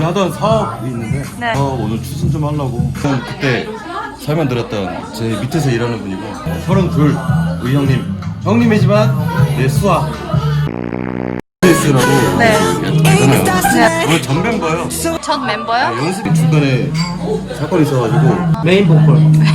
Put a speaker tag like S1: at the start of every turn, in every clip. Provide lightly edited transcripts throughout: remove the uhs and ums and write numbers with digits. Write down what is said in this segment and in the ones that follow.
S1: 원래 하던 사업이 있는데
S2: 네.
S1: 사업 오늘 추진 좀 하려고. 그때 설명드렸던 제 밑에서 일하는 분이고 32 우리 형님이지만 내 수아 S라고
S2: 네.
S1: 있잖아요. 오늘 전 멤버예요.
S2: 전 멤버요?
S1: 연습 중간에 사건이 있어가지고
S3: 메인 보컬.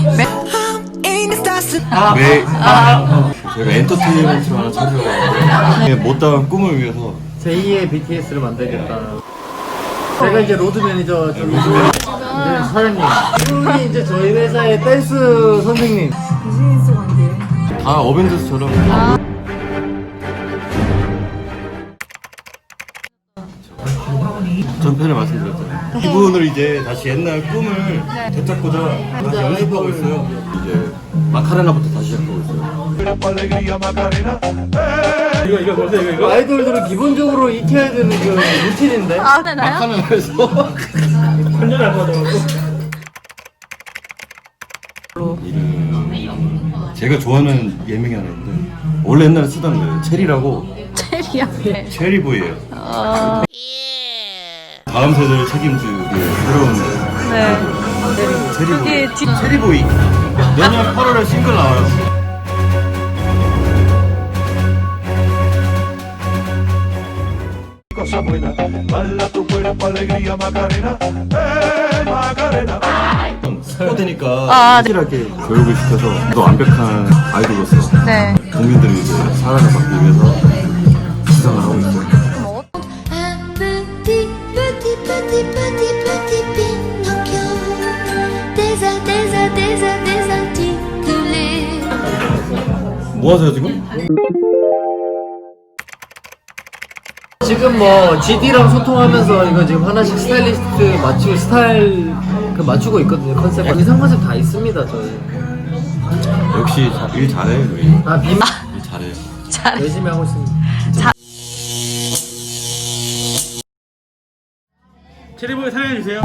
S1: 저희가 엔터테인먼트를 하나 차리려고 하는데 못다한 꿈을 위해서
S3: 제2의 BTS를 만들겠다. 제가 이제 로드 매니저 중이고 이제 사장님. 이분이 이제 저희 회사의 댄스 선생님.
S1: 다 어벤져스처럼 전편에 말씀드렸잖아요. 이분을 이제 다시 옛날 꿈을 되찾고자 다시 연습하고 있어요. 이제 마카레나부터 다시 시작하고 있어요.
S3: 이거 보세요, 이거. 아이돌들은 기본적으로 익혀야 되는 그 루틴인데.
S2: 아, 되나요?
S1: 마카레나에서
S3: 완전 안 맞아가지고.
S1: 제가 좋아하는 예명이 하나 있는데 원래 옛날에 쓰던 거예요. 체리라고.
S2: 체리야. 네.
S1: 체리보이예요. 다음 세대를 책임질 우리의 새로운
S2: 네.
S1: 체리보이.
S2: 그게 뒤-
S1: 체리보이. 내년 8월에 싱글 나와요.
S4: Cosa buena, bala tu cuerpo, alegría, Macarena, Macarena.
S1: 스포되니까 확실하게 교육을 시켜서 더 완벽한 아이돌로서
S2: 네.
S1: 국민들이 이제 사랑을 받기 위해서 시상을 하고 있어요.
S5: Un petit, petit, petit, petit, petit Pinocchio désarticulé.
S1: 뭐 하세요 지금?
S3: 지금 뭐 GD랑 소통하면서 이거 지금 하나씩 스타일리스트 맞추고 스타일 그 맞추고 있거든요. 컨셉. 이상 컨셉 다 있습니다 저희.
S1: 역시 일 잘해요 우리.
S3: 아 비.
S1: 일 잘해요.
S2: 잘.
S3: 열심히 하고 있습니다. 체리보이 사랑해주세요.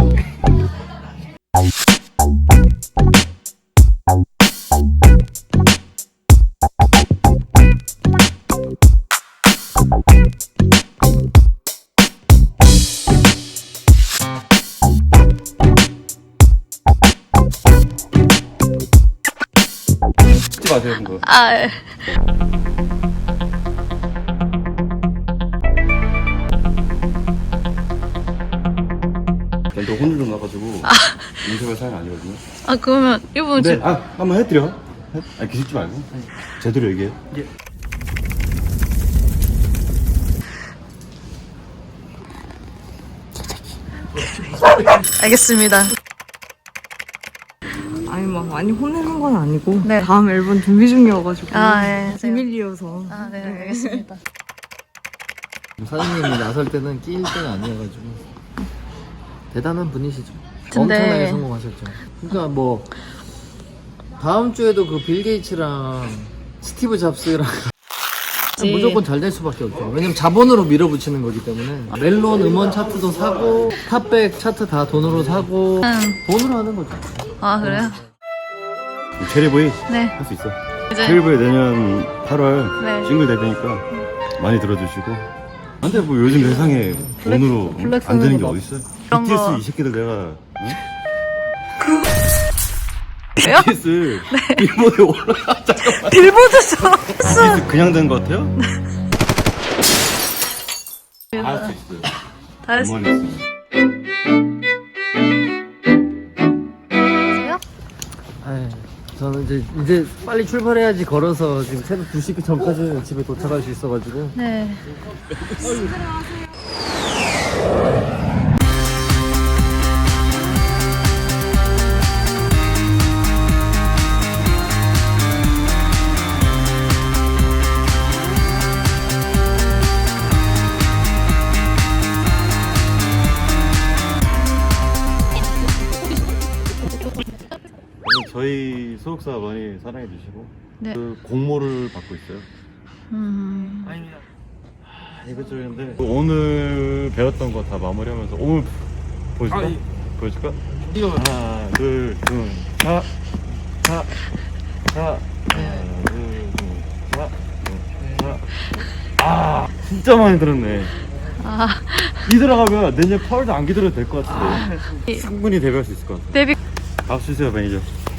S1: 찍지 마세요 그거.
S2: 아, 예.
S1: 또 혼을 좀 나가지고 인생의 사연 아니거든요.
S2: 아, 그러면 이분
S1: 네,
S2: 지금
S1: 한번 해드려. 기죽지 말고 제대로 얘기해.
S2: 알겠습니다.
S6: 아니 막 많이 혼내는 건 아니고
S2: 네.
S6: 다음 앨범 준비 중이어가지고
S2: 아, 예.
S6: 비밀이어서
S2: 아, 네, 알겠습니다.
S3: 사장님이 나설 때는 끼일 때가 아니어가지고 대단한 분이시죠.
S2: 근데-
S3: 엄청나게 성공하셨죠. 그러니까 뭐 다음 주에도 그 빌 게이츠랑 스티브 잡스랑 무조건 잘 될 수밖에 없죠. 왜냐면 자본으로 밀어붙이는 거기 때문에 멜론 음원 차트도 사고 탑백 차트 다 돈으로 사고 돈으로 하는 거죠.
S2: 아, 그래요?
S1: 체리보이
S2: 네.
S1: 할 수 있어.
S2: 이제
S1: 체리보이 내년 8월
S2: 네.
S1: 싱글 데뷔니까 많이 들어주시고. 근데 뭐 요즘 세상에 돈으로 안 되는 게 어딨어요?
S2: 그런
S1: BTS
S2: 거-
S1: 이 새끼들 내가
S2: 왜요?
S1: BTS 빌보드에 올라가. 잠깐만.
S2: 빌보드처럼
S1: BTS 그냥 된 거 같아요? 할 수 있어요.
S2: 다 했어요.
S1: 음원이 있어요.
S3: 에이, 저는 이제 빨리 출발해야지 걸어서 지금 새벽 2시 전까지 집에 도착할 수 있어가지고
S2: 네.
S1: 저희 소속사 많이 사랑해 주시고
S2: 네.
S1: 그 공모를 받고 있어요. 이것저것인데 오늘 배웠던 거 다 마무리하면서 오늘 보여줄까? 보여줄까? 하나 둘셋 진짜 많이 들었네. 기들어가면 내년 8월도 안 기들어도 될 것 같은데 충분히 대비할 수 있을 것 같아요.
S2: 데뷔.
S1: 박수 주세요 매니저.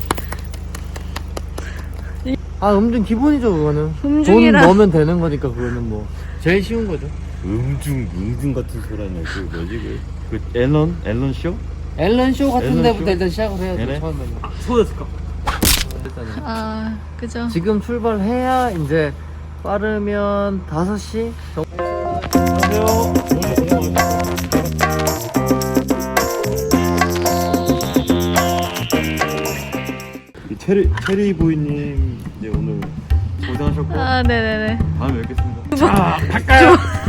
S3: 아 음중 기본이죠 그거는.
S2: 음중이라.
S3: 돈 넣으면 되는 거니까 그거는 뭐 제일 쉬운 거죠.
S1: 음중 같은 소리는 그 뭐지 그 앨런 쇼?
S3: 앨런 쇼 같은
S1: 앨런
S3: 데부터
S1: 쇼?
S3: 일단 시작을 해야죠.
S1: 네네.
S3: 처음에는.
S1: 소였을까?
S2: 아, 그죠.
S3: 지금 출발해야 이제 빠르면 5시 정도.
S1: 체리 부인님 이제 오늘 고생하셨고
S2: 아, 네네네.
S1: 다음에 뵙겠습니다. 자, 갈까요?